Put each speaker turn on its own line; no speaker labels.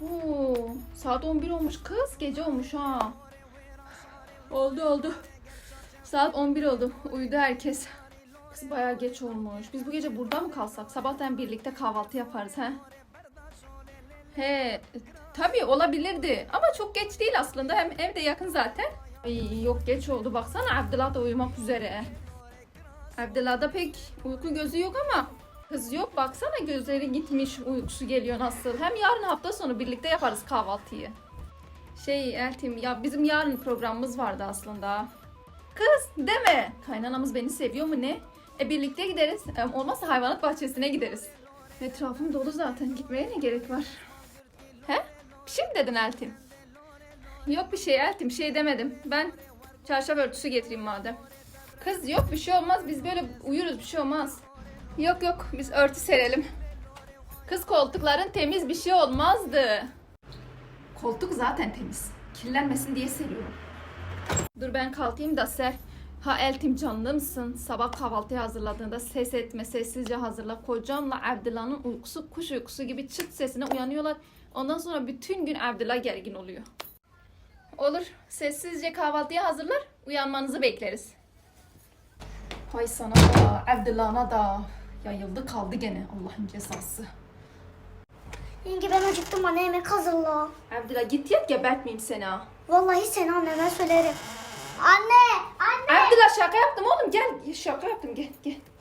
Oo, saat 11 olmuş kız. Gece olmuş ha. Oldu. Saat 11 oldu. Uyudu herkes. Kız bayağı geç olmuş. Biz bu gece burada mı kalsak? Sabahtan birlikte kahvaltı yaparız he. He, tabii olabilirdi. Ama çok geç değil aslında. Hem evde yakın zaten. Ay, yok geç oldu. Baksana Abdullah da uyumak üzere. Abdullah'da pek uyku gözü yok ama kız yok. Baksana gözleri gitmiş. Uykusu geliyor nasıl. Hem yarın hafta sonu birlikte yaparız kahvaltıyı. Eltim ya bizim yarın programımız vardı aslında. Kız deme. Kaynanamız beni seviyor mu ne? Birlikte gideriz. Olmazsa hayvanat bahçesine gideriz. Etrafım dolu zaten. Gitmeye ne gerek var? He? Bir şey mi dedin Eltim? Yok bir şey Eltim. Bir şey demedim. Ben çarşaf örtüsü getireyim madem. Kız yok bir şey olmaz. Biz böyle uyuruz bir şey olmaz. Yok biz örtü serelim. Kız koltukların temiz bir şey olmazdı. Koltuk zaten temiz. Kirlenmesin diye seriyorum. Dur ben kalkayım da ser. Ha Eltim canlımsın. Sabah kahvaltıyı hazırladığında ses etme, sessizce hazırla. Kocamla Abdullah'ın uykusu kuş uykusu gibi çıt sesine uyanıyorlar. Ondan sonra bütün gün Abdullah gergin oluyor. Olur. Sessizce kahvaltıyı hazırlar. Uyanmanızı bekleriz. Hay sana da, Abdullah'ına da. Yayıldı kaldı gene Allah'ın cezası.
Yenge ben acıktım, anne yemek hazırla.
Abdullah git yat, gebertmeyeyim seni ha.
Vallahi seni anneme söylerim. Anne!
Abdullah şaka yaptım oğlum, gel. Şaka yaptım, gel.